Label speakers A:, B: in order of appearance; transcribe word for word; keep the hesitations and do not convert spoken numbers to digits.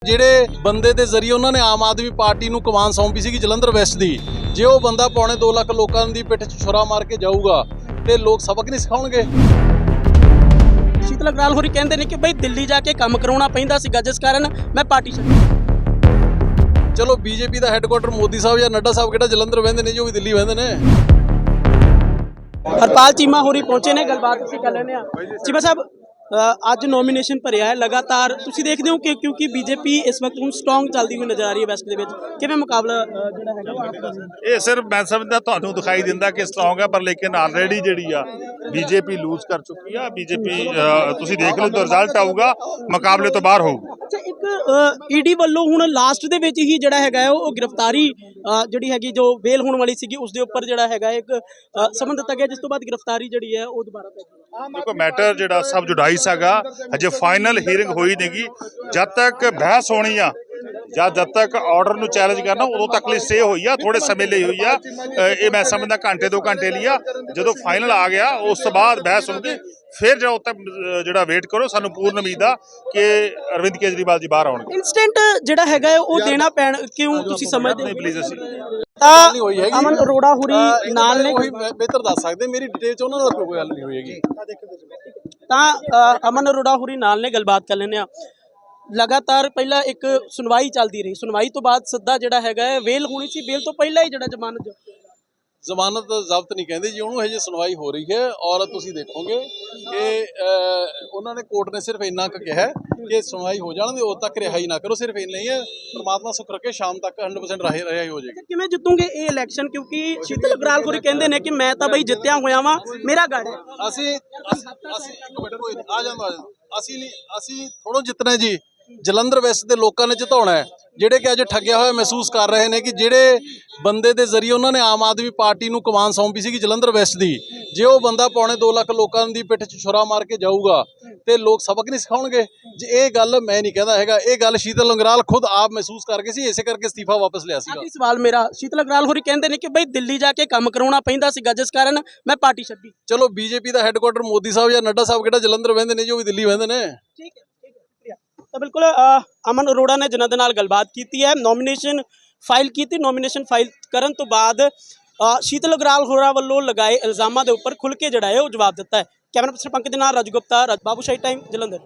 A: ਜਿਹੜੇ ਬੰਦੇ ਦੇ ਜ਼ਰੀਏ ਉਹਨਾਂ ਨੇ ਆਮ ਆਦਮੀ ਪਾਰਟੀ ਨੂੰ ਕਮਾਨ ਸੌਂਪੀ ਸੀ ਜਲੰਧਰ ਵੈਸਟ ਦੀ, ਜੇ ਉਹ ਬੰਦਾ ਪੌਣੇ ਦੋ ਲੱਖ ਲੋਕਾਂ ਦੀ ਪਿੱਠ 'ਚ ਛੁਰਾ ਮਾਰ ਕੇ ਜਾਊਗਾ ਤੇ ਲੋਕ ਸਬਕ ਨਹੀਂ ਸਿਖਾਉਣਗੇ।
B: ਸ਼ੀਤਲ ਅਗਰਾਲ ਹੋਰੀ ਕਹਿੰਦੇ ਨੇ ਕਿ ਬਈ ਦਿੱਲੀ ਜਾ ਕੇ ਕੰਮ ਕਰਾਉਣਾ ਪੈਂਦਾ ਸੀਗਾ, ਜਿਸ ਕਾਰਨ ਮੈਂ ਪਾਰਟੀ ਛੱਡੀ।
A: ਚਲੋ ਬੀਜੇਪੀ ਦਾ ਹੈੱਡਕੁਆਟਰ ਮੋਦੀ ਸਾਹਿਬ ਜਾਂ ਨੱਡਾ ਸਾਹਿਬ ਕਿਹੜਾ ਜਲੰਧਰ ਵਹਿੰਦੇ ਨੇ, ਜੋ ਵੀ ਦਿੱਲੀ ਵਹਿੰਦੇ ਨੇ।
B: ਹਰਪਾਲ ਚੀਮਾ ਹੋਰੀ ਪਹੁੰਚੇ ਨੇ, ਗੱਲਬਾਤ ਅਸੀਂ ਕਰ ਲੈਂਦੇ ਹਾਂ। ਚੀਮਾ ਸਾਹਿਬ, ਅੱਜ ਨੋਮੀਨੇਸ਼ਨ ਭਰਿਆ ਹੈ ਲਗਾਤਾਰ, ਤੁਸੀਂ ਦੇਖਦੇ ਹੋ ਕਿ ਕਿਉਂਕਿ ਬੀਜੇਪੀ ਇਸ ਵਕਤ ਹੁਣ ਸਟਰੋਂਗ ਚੱਲਦੀ ਹੋਈ ਨਜ਼ਰ ਆ ਰਹੀ ਹੈ ਵੈਸਟ ਦੇ ਵਿੱਚ, ਕਿਵੇਂ ਮੁਕਾਬਲਾ ਜਿਹੜਾ ਹੈਗਾ
C: ਇਹ ਸਿਰਫ ਮੈਂ ਸਮਝਦਾ ਤੁਹਾਨੂੰ ਦਿਖਾਈ ਦਿੰਦਾ ਕਿ ਸਟਰੋਂਗ ਹੈ, ਪਰ ਲੇਕਿਨ ਆਲਰੇਡੀ ਜਿਹੜੀ ਆ ਬੀਜੇਪੀ ਲੂਜ਼ ਕਰ ਚੁੱਕੀ ਆ। ਬੀਜੇਪੀ ਤੁਸੀਂ ਦੇਖ ਲਓ ਤਾਂ ਰਿਜ਼ਲਟ ਆਊਗਾ, ਮੁਕਾਬਲੇ ਤੋਂ ਬਾਹਰ ਹੋਊਗਾ।
B: ਅੱਛਾ, ਇੱਕ ਈਡੀ ਵੱਲੋਂ ਹੁਣ ਲਾਸਟ ਦੇ ਵਿੱਚ ਹੀ ਜਿਹੜਾ ਹੈਗਾ ਉਹ ਗ੍ਰਿਫਤਾਰੀ ਜਿਹੜੀ ਹੈਗੀ ਜੋ ਬੇਲ ਹੋਣ ਵਾਲੀ ਸੀਗੀ ਉਸ ਦੇ ਉੱਪਰ ਜਿਹੜਾ ਹੈਗਾ ਇੱਕ ਸਮਨ ਦਿੱਤਾ ਗਿਆ, ਜਿਸ ਤੋਂ ਬਾਅਦ ਗ੍ਰਿਫਤਾਰੀ ਜਿਹੜੀ ਹੈ ਉਹ ਦੁਬਾਰਾ ਪੈ ਗਈ।
C: ਦੇਖੋ ਮੈਟਰ ਜਿਹੜਾ ਸਬ ਜੁਡਾਈਸ ਹੈਗਾ, ਹਜੇ ਫਾਈਨਲ ਹੀਅਰਿੰਗ ਹੋਈ ਨਹੀਂਗੀ। ਜਦ ਤੱਕ ਬਹਿਸ ਹੋਣੀ ਆ ਜਾਂ ਜਦ ਤੱਕ ਆਰਡਰ ਨੂੰ ਚੈਲੰਜ ਕਰਨਾ ਉਦੋਂ ਤੱਕ ਲਈ ਸਟੇ ਹੋਈ ਆ, ਥੋੜੇ ਸਮੇਂ ਲਈ ਹੋਈ ਆ। ਇਹ ਮੈਂ ਸਮਝਦਾ ਘੰਟੇ ਦੋ ਘੰਟੇ ਲਈ ਆ। ਜਦੋਂ ਫਾਈਨਲ ਆ ਗਿਆ ਉਸ ਤੋਂ ਬਾਅਦ ਬਹਿਸ ਹੋਊਗੀ, ਫਿਰ ਜਿਹੜਾ ਉੱਤੇ ਜਿਹੜਾ ਵੇਟ ਕਰੋ। ਸਾਨੂੰ ਪੂਰਨ ਉਮੀਦ ਆ ਕਿ ਅਰਵਿੰਦ ਕੇਜਰੀਵਾਲ ਜੀ ਬਾਹਰ ਆਉਣਗੇ।
B: ਇਨਸਟੈਂਟ ਜਿਹੜਾ ਹੈਗਾ ਉਹ ਦੇਣਾ ਪੈਣ, ਕਿਉਂ ਤੁਸੀਂ ਸਮਝਦੇ
C: ਨਹੀਂ ਪਲੀਜ਼ ਅਸੀਂ
B: ਤਾਂ ਅਮਨ ਅਰੋੜਾ ਹੋਰੀ ਨਾਲ ਨੇ,
A: ਬਿਹਤਰ ਦੱਸ ਸਕਦੇ ਮੇਰੀ ਡਿਟੇਲ ਚ ਉਹਨਾਂ ਦਾ ਕੋਈ ਗੱਲ ਨਹੀਂ ਹੋਏਗੀ।
B: ਤਾਂ ਅਮਨ ਅਰੋੜਾ ਹੋਰੀ ਨਾਲ ਨੇ, ਗੱਲਬਾਤ ਕਰ ਲੈਂਦੇ ਆ। ਲਗਾਤਾਰ ਪਹਿਲਾਂ ਇੱਕ ਸੁਣਵਾਈ ਚੱਲਦੀ ਰਹੀ, ਸੁਣਵਾਈ ਤੋਂ ਬਾਅਦ ਸਿੱਧਾ ਜਿਹੜਾ ਹੈਗਾ ਵੇਲ ਹੋਣੀ ਸੀ, ਵੇਲ ਤੋਂ ਪਹਿਲਾਂ ਹੀ ਜਿਹੜਾ ਜ਼ਮਾਨਤ
A: ਜ਼ਮਾਨਤ ਜ਼ਬਤ ਨਹੀਂ ਕਹਿੰਦੇ ਜੀ ਉਹਨੂੰ, ਹਜੇ ਸੁਣਵਾਈ ਹੋ ਰਹੀ ਹੈ। ਔਰ ਤੁਸੀਂ ਦੇਖੋਗੇ ਕਿ ਉਹਨਾਂ ਨੇ ਕੋਰਟ ਨੇ ਸਿਰਫ ਇੰਨਾ ਕੁ ਕਿਹਾ ਕਿ ਸੁਣਵਾਈ ਹੋ ਜਾਣ ਦੇ, ਉਦੋਂ ਤੱਕ ਰਿਹਾਈ ਨਾ ਕਰੋ। ਸਿਰਫ ਇੰਨਾ ਹੀ ਹੈ, ਪਰਮਾਤਮਾ ਸੁੱਖ ਰੱਖੇ ਸ਼ਾਮ ਤੱਕ ਹੰਡਰਡ ਪਰਸੈਂਟ ਰਿਹਾਈ ਹੋ ਜਾਏਗੀ।
B: ਕਿਵੇਂ ਜਿੱਤੂਗੇ ਇਹ ਇਲੈਕਸ਼ਨ? ਕਿਉਂਕਿ ਸ਼ੀਤਲ ਅਗਰਾਲ ਹੋਰੀ ਕਹਿੰਦੇ ਨੇ ਕਿ ਮੈਂ ਤਾਂ ਬਈ ਜਿੱਤਿਆ ਹੋਇਆ ਵਾਂ, ਮੇਰਾ ਗੜ ਹੈ।
A: ਅਸੀਂ ਅਸੀਂ ਇੱਕ ਮਿੰਟ ਕੋਈ ਆ ਜਾਂਦਾ ਅਸੀਂ ਨਹੀਂ ਅਸੀਂ ਥੋੜ੍ਹਾ ਜਿੱਤਣਾ ਜੀ, ਜਲੰਧਰ ਵੈਸਟ ਦੇ ਲੋਕਾਂ ਨੇ ਜਿਤਾਉਣਾ ਹੈ, ਜਿਹੜੇ ਕਿ ਅੱਜ ਠੱਗਿਆ ਹੋਇਆ ਮਹਿਸੂਸ ਕਰ ਰਹੇ ਨੇ ਕਿ ਜਿਹੜੇ ਬੰਦੇ ਦੇ ਜ਼ਰੀਏ ਉਹਨਾਂ ਨੇ ਆਮ ਆਦਮੀ ਪਾਰਟੀ ਨੂੰ ਕਮਾਨ ਸੌਂਪੀ ਸੀ ਜਲੰਧਰ ਵੈਸਟ ਦੀ, ਜੇ ਉਹ ਬੰਦਾ ਪੌਣੇ ਦੋ ਲੱਖ ਲੋਕਾਂ ਦੀ ਪਿੱਠ 'ਚ ਛੁਰਾ ਮਾਰ ਕੇ ਜਾਊਗਾ ਤੇ ਲੋਕ ਸਬਕ ਨਹੀਂ ਸਿਖਾਉਣਗੇ। ਜੇ ਇਹ ਗੱਲ ਮੈਂ ਨਹੀਂ ਕਹਿੰਦਾ ਹੈਗਾ, ਇਹ ਗੱਲ ਸ਼ੀਤਲ ਅਗਰਾਲ ਖੁਦ ਆਪ ਮਹਿਸੂਸ ਕਰ ਗਏ ਸੀ, ਇਸੇ ਕਰਕੇ ਅਸਤੀਫਾ ਵਾਪਸ ਲਿਆ ਸੀਗਾ।
B: ਸਵਾਲ ਮੇਰਾ, ਸ਼ੀਤਲ ਅਗਰਾਲ ਹੋਰੀ ਕਹਿੰਦੇ ਨੇ ਕਿ ਬਈ ਦਿੱਲੀ ਜਾ ਕੇ ਕੰਮ ਕਰਾਉਣਾ ਪੈਂਦਾ ਸੀਗਾ, ਜਿਸ ਕਾਰਨ ਮੈਂ ਪਾਰਟੀ ਛੱਡੀ।
A: ਚਲੋ ਬੀਜੇਪੀ ਦਾ ਹੈੱਡਕੁਆਟਰ ਮੋਦੀ ਸਾਹਿਬ ਜਾਂ ਨੱਡਾ ਸਾਹਿਬ ਕਿਹੜਾ ਜਲੰਧਰ ਵਹਿੰਦੇ ਨੇ, ਜੋ ਵੀ ਦਿੱਲੀ ਵਹਿੰਦੇ ਨੇ।
B: ਠੀਕ ਹੈ, ਤਾਂ ਬਿਲਕੁਲ ਅਮਨ ਅਰੋੜਾ ਨੇ ਜਿਨ੍ਹਾਂ ਦੇ ਨਾਲ ਗੱਲਬਾਤ ਕੀਤੀ ਹੈ, ਨੋਮੀਨੇਸ਼ਨ ਫਾਈਲ ਕੀਤੀ। ਨੋਮੀਨੇਸ਼ਨ ਫਾਈਲ ਕਰਨ ਤੋਂ ਬਾਅਦ ਸ਼ੀਤਲ ਅਗਰਾਲ ਹੋਰਾਂ ਵੱਲੋਂ ਲਗਾਏ ਇਲਜ਼ਾਮਾਂ ਦੇ ਉੱਪਰ ਖੁੱਲ੍ਹ ਕੇ ਜਿਹੜਾ ਹੈ ਉਹ ਜਵਾਬ ਦਿੱਤਾ ਹੈ। ਕੈਮਰਾ ਪਰਸਨ ਪੰਕਜ ਦੇ ਨਾਲ ਰਾਜੂ ਗੁਪਤਾ, ਬਾਬੂਸ਼ਾਹੀ ਟਾਈਮ, ਜਲੰਧਰ।